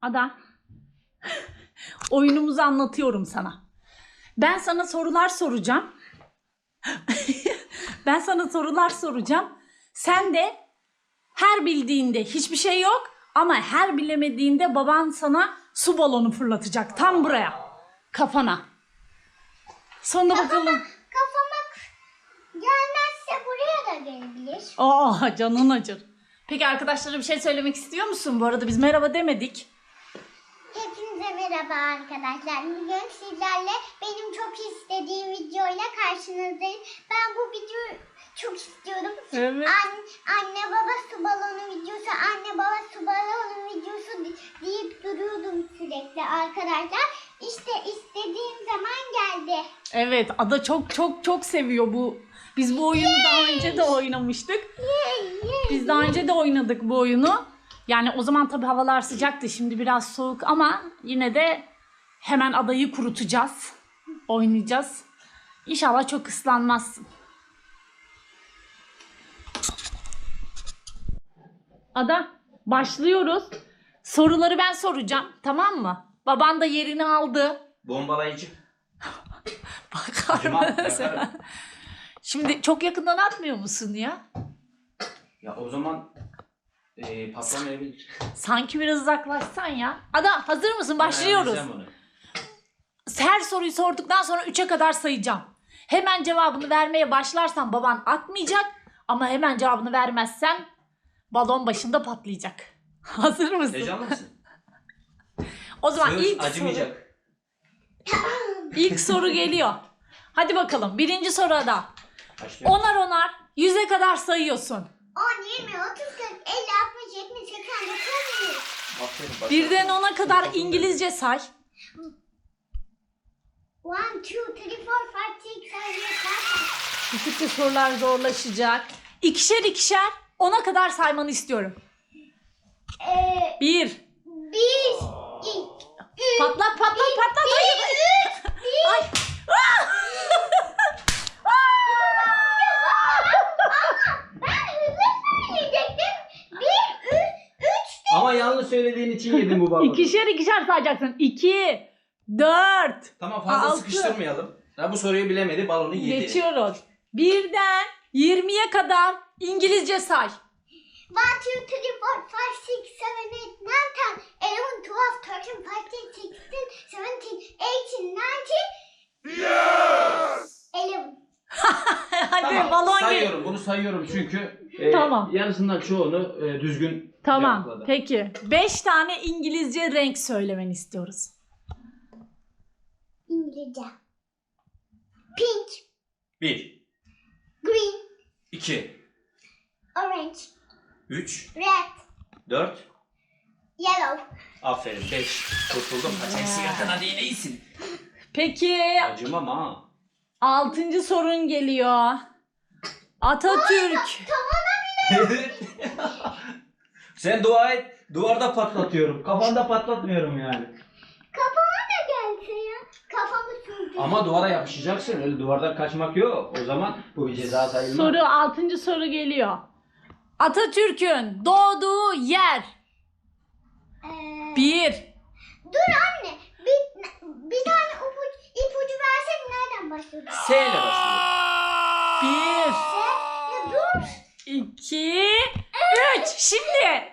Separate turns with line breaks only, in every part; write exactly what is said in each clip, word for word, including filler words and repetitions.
Ada. Oyunumuzu anlatıyorum sana. Ben sana sorular soracağım. Ben sana sorular soracağım. Sen de her bildiğinde hiçbir şey yok ama her bilemediğinde baban sana su balonu fırlatacak tam buraya. Kafana. Sonra bakalım.
Kafama gelmezse buraya da gelebilir.
Aa, canın acır. Peki arkadaşlara bir şey söylemek istiyor musun? Bu arada biz merhaba demedik.
Hepinize merhaba arkadaşlar. Bugün sizlerle benim çok istediğim videoyla karşınızdayım. Ben bu videoyu çok istiyorum.
Evet.
An, anne baba su balonu videosu, anne baba su balonu videosu di- deyip duruyordum sürekli arkadaşlar. İşte istediğim zaman geldi.
Evet, Ada çok çok çok seviyor bu. Biz bu oyunu daha önce de oynamıştık.
Yay, yay.
Biz daha önce de oynadık bu oyunu. Yani o zaman tabii havalar sıcaktı. Şimdi biraz soğuk ama yine de hemen adayı kurutacağız. Oynayacağız. İnşallah çok ıslanmazsın. Ada, başlıyoruz. Soruları ben soracağım. Tamam mı? Baban da yerini aldı.
Bombalayıcı.
Bakar
Acımam,
mısın?
yakarım.
Şimdi çok yakından atmıyor musun ya?
Ya o zaman e, patlamayabilir.
Sanki biraz uzaklaşsan ya. Ada, hazır mısın? Başlıyoruz.
Ben ayarlayacağım onu.
Her soruyu sorduktan sonra üçe kadar sayacağım. Hemen cevabını vermeye başlarsan baban atmayacak. Ama hemen cevabını vermezsen balon başında patlayacak. Hazır mısın?
Heyecanlı mısın?
O zaman
Söz
ilk soru,
acımayacak.
ilk soru geliyor. Hadi bakalım. Birinci soru Ada.
Başlıyorum.
Onar onar yüze kadar sayıyorsun.
on, yirmi, otuz, kırk, elli, altmış, yetmiş, seksen, doksan, yüz.
Aferin, başla.
Birden ona kadar İngilizce say.
one, two, three, four, five, six, seven, eight, nine.
Gittikçe sorular zorlaşacak. İkişer ikişer ona kadar saymanı istiyorum.
Ee,
Bir.
bir, iki, üç,
Patlat patlat patlat. Hayır.
üç, bir.
Ay.
Ben hızlı söyleyecektim. Bir, üç, üç.
Ama yanlış söylediğin için yedim bu balonu.
İkişer ikişer sayacaksın. İki. Dört.
Tamam, fazla
Altı.
sıkıştırmayalım. Ya bu soruyu bilemedi, balonu yedi.
Geçiyoruz. Birden yirmiye kadar İngilizce say.
one, two, three, four, five, six, seven, eight, nine, ten, eleven, twelve, thirteen, fifteen, sixteen, seventeen, eighteen, nineteen. Yes! eleven.
Hadi
Tamam,
balon gel.
sayıyorum. Bunu sayıyorum çünkü e,
Tamam.
yarısından çoğunu e, düzgün
Tamam.
cevapladı.
Peki. Beş tane İngilizce renk söylemeni istiyoruz.
İngilizce. Pink,
Bir,
green,
iki,
orange,
üç,
red,
dört.
yellow.
Aferin. Beş. Kurtuldum. Kaç eksi yakın, hadi yine iyisin.
Peki.
Acımam ha.
Altıncı sorun geliyor. Atatürk.
Sen dua et. Duvarda patlatıyorum. Kafanda patlatmıyorum yani.
Kafama da gelse ya. Kafamı sürdü.
Ama duvara yapışacaksın. Öyle duvardan kaçmak yok. O zaman bu bir ceza sayılmaz.
Soru altıncı soru geliyor. Atatürk'ün doğduğu yer.
Ee,
Bir.
Dur anne. Bir, bir tane ipucu, ipucu versen nereden başlıyorsun?
S ile başlıyor.
Bir.
Ya dur.
İki. Üç. Şimdi.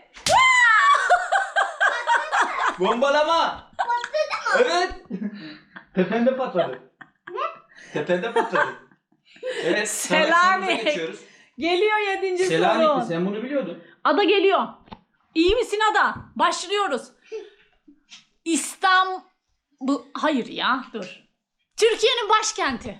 Bombalama.
Patladı mı?
Evet. Tepende patladı.
Ne?
Tepende patladı. Evet. sonraki
Selanik.
sorumuza geçiyoruz.
Geliyor yedinci
Selanik'ti.
soru.
Sen bunu biliyordun.
Ada geliyor. İyi misin Ada? Başlıyoruz. İstanbul. Hayır ya, dur. Türkiye'nin başkenti.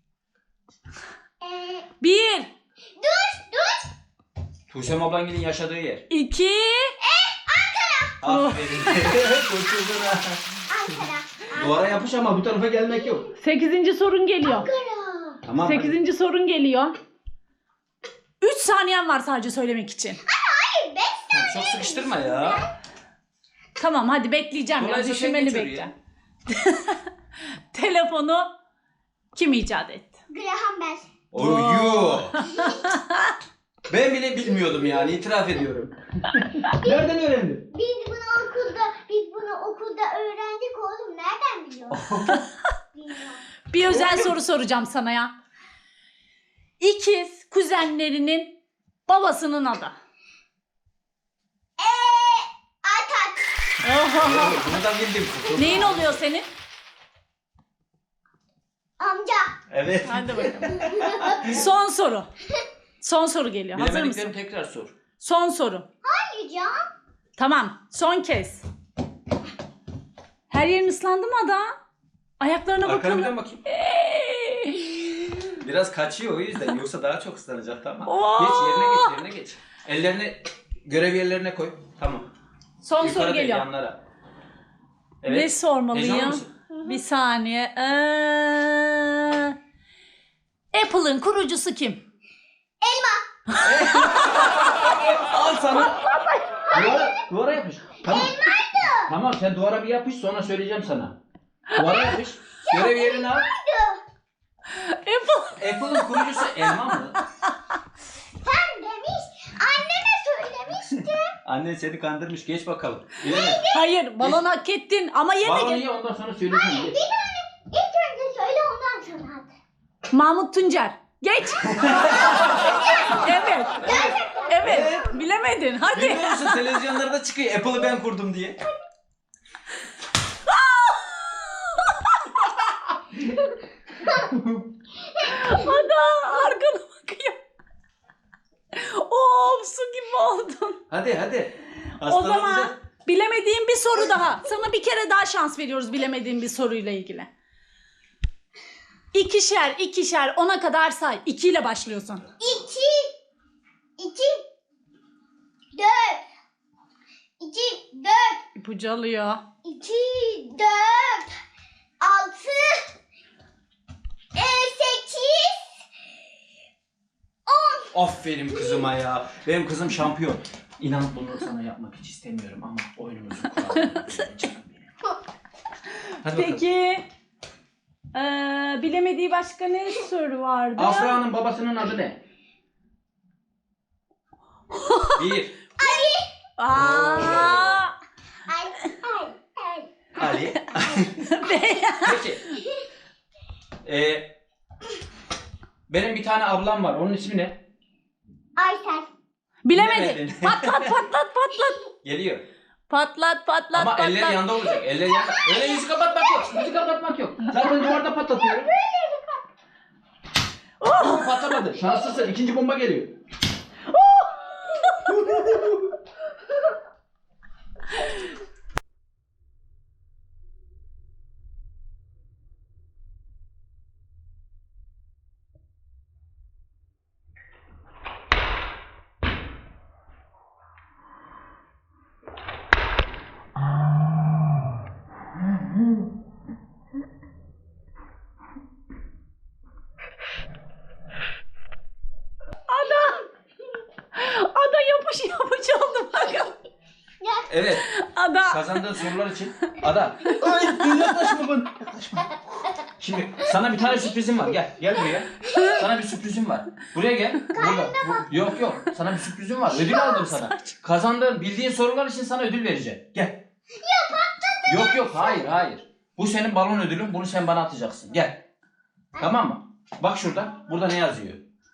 Ee,
Bir.
dur dur.
Tuğsem Ablangil'in yaşadığı yer.
İki.
Aferin. Kurtuldun ha.
Ankara.
Duvara yapış ama bu tarafa gelmek yok.
Sekizinci sorun geliyor.
Ankara.
Tamam. hadi.
Sekizinci sorun geliyor. Üç saniyen var sadece söylemek için.
Hayır beş
Tamam,
tane.
çok sıkıştırma ya.
Tamam, hadi bekleyeceğim. Ya.
Kolayca
Düşünmeli
sen geçiyor
bekle. Telefonu kim icat etti?
Graham Bell.
Oyu. Ben bile bilmiyordum yani, itiraf ediyorum. Nereden öğrendin?
Biz bunu okulda, biz bunu Bilmiyorum.
Bir özel soru soracağım sana ya. İkiz kuzenlerinin babasının adı.
Eee Atat.
Bunu da bildim.
Neyin oluyor senin?
Amca.
Evet.
Hadi bakalım. Son soru. Son soru geliyor. Hazır mısın?
Bilemediklerini tekrar sor.
Son soru.
Hayır ya.
Tamam. Son kez. Her yerin ıslandı mı Ada? Ayaklarına
Arkana
bakalım.
bir dön bakayım.
Eee.
Biraz kaçıyor o yüzden. Yoksa daha çok ıslanacak, tamam.
Oo!
Geç yerine geç yerine geç. Ellerini görev yerlerine koy. Tamam.
Son
Yukarı
soru
değil,
geliyor.
yanlara.
Ne
Evet. Heyecanlı
sormalıyım?
mısın?
Bir saniye. Ee, Apple'ın kurucusu kim?
Al sana. Duvara, duvara yapış. Tamam. Tamam, sen duvara bir yapış, sonra söyleyeceğim sana. Duvara yapış. Görev yerini al.
Apple.
Apple'ın kurucusu elma mı?
Sen demiş. Anneme söylemişti.
Annen seni kandırmış. Geç bakalım. Bilemedin.
Hayır, balon hak ettin ama yine
Balonu
gel.
ye, ondan sonra söyleyeceğim. Geç.
Bir tane ilk önce söyle ondan sonra at.
Mahmut Tuncer. Geç. Evet. Evet. Bilemedin. Hadi.
Bilmiyor musun? Televizyonlarda çıkıyor. Apple'ı ben kurdum diye.
Ada arkana bakıyor. Of, su gibi oldun.
Hadi hadi.
O zaman bilemediğin bir soru daha. Sana bir kere daha şans veriyoruz bilemediğin bir soruyla ilgili. İkişer, ikişer, ona kadar say. İki ile başlıyorsun.
İki. İki. Dört. İki. Dört.
İpucu alıyor.
İki. Dört. Altı. E, sekiz. On.
Aferin kızıma ya. Benim kızım şampiyon. İnan bunu sana yapmak hiç istemiyorum ama oyunumuzun kuralları. Canım benim. Hadi bakalım.
Peki. Ee, bilemediği başka ne soru vardı?
Afra'nın babasının adı ne? Bir.
Aa,
Ay. Ay. Ay.
Ali. Peki. Ee, benim bir tane ablam var. Onun ismi ne?
Aysel.
bilemedin.
Bilemedin.
Patlat patlat patlat.
Geliyor.
Patlat patlat
Ama
patlat.
elleri yanda olacak. Elleri yanda. Öyle yüzü kapatmak yok. Yüzü kapatmak yok. Zaten duvarda patlatıyorum. Oh! Patlamadı. Şanslısın. İkinci bomba geliyor.
Ada yapış yapış oldu bakın.
Evet.
Ada.
Kazandığın sorular için. Ada. Ay yaklaşma bana. Yaklaşma. Şimdi sana bir tane sürprizim var. Gel. Gel buraya. Sana bir sürprizim var. Buraya gel. Burada. Bu- Yok yok. Sana bir sürprizim var. Ödül aldım sana. Kazandığın, bildiğin sorular için sana ödül vereceğim. Gel. Yok yok. Hayır hayır. Bu senin balon ödülün. Bunu sen bana atacaksın. Gel. Tamam mı? Bak şurada. Burada ne yazıyor?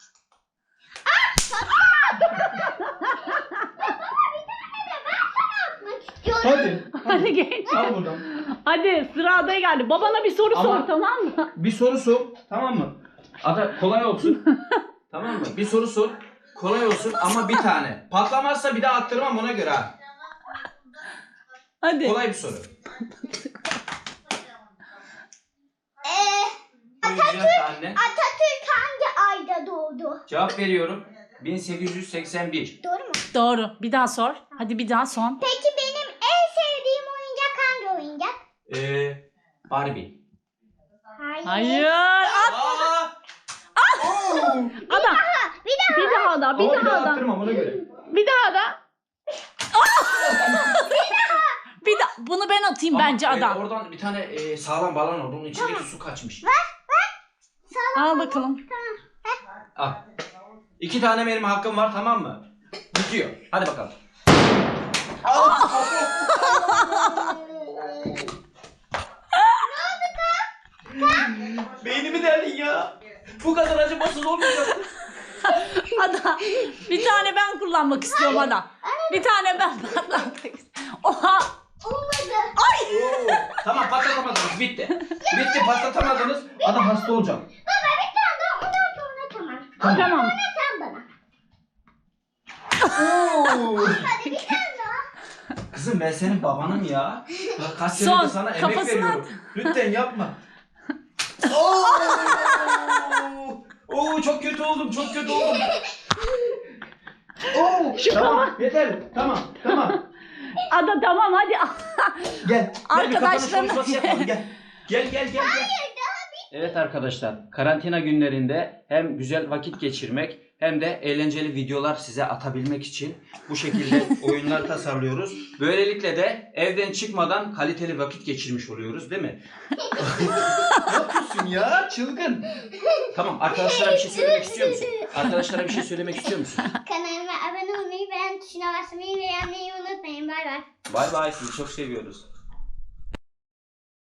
Hadi.
Hadi geç.
Al buradan.
Hadi sıra Ada'ya geldi. Babana bir soru
Ama-
sor, tamam mı?
Bir soru sor. Tamam mı? Ada kolay olsun. Tamam mı? Bir soru sor. Kolay olsun ama bir tane. Patlamazsa bir daha attırmam, ona göre ha.
Hadi.
Kolay bir soru.
Ee,
Buyuracağım anne.
Atatürk hangi ayda doğdu?
Cevap veriyorum. bin sekiz yüz seksen bir.
Doğru mu?
Doğru. Bir daha sor. Hadi bir daha son.
Peki benim en sevdiğim oyuncak hangi oyuncak?
Ee, Barbie.
Hayır.
Hayır. At.
Aa! Oo!
Ada.
Bir daha.
Bir daha da. Bir
Ama bir daha
daha da.
attırmam, ona göre.
Bir daha da. Bir daha. Bunu ben atayım
Ama,
bence
e,
Ada.
oradan bir tane e, sağlam balon oldu. Onun içindeki su kaçmış.
Al bakalım.
Al. İki tane benim hakkım var, tamam mı? Bitiyor. Hadi bakalım. Haksız olmayacak.
Ada bir tane ben kullanmak istiyorum Ada. Bir tane ben patlatmak istiyorum. Oha.
Olmadı.
Oo, tamam patlatamadınız. Bitti. Bitti patlatamadınız. Adam hasta olacak.
Baba bir tane daha ondan sonra tamam.
Tamam.
Tamam.
Sonra sen bana.
Oo.
Hadi bir tane daha.
Kızım ben senin babanım ya. Bak kaç
Son,
senedir sana emek
kafasına
veriyorum. Lütfen yapma. Oo! Oo çok kötü oldum, çok kötü oldum. Oo, tamam, yeter. Tamam, tamam.
Ada tamam hadi.
Gel. Gel bir kapanış
Arkadaşlarına-
konuşması yapalım gel. Gel gel gel gel. Evet arkadaşlar, karantina günlerinde hem güzel vakit geçirmek hem de eğlenceli videolar size atabilmek için bu şekilde oyunlar tasarlıyoruz. Böylelikle de evden çıkmadan kaliteli vakit geçirmiş oluyoruz, değil mi? Ne yapıyorsun ya? Çılgın. Tamam, arkadaşlara bir şey söylemek istiyor musun? Arkadaşlara bir şey söylemek istiyor musun?
Kanalıma abone olmayı, beğen tuşuna basmayı ve beğenmeyi unutmayın. Bay bay.
Bay bay, sizi çok seviyoruz.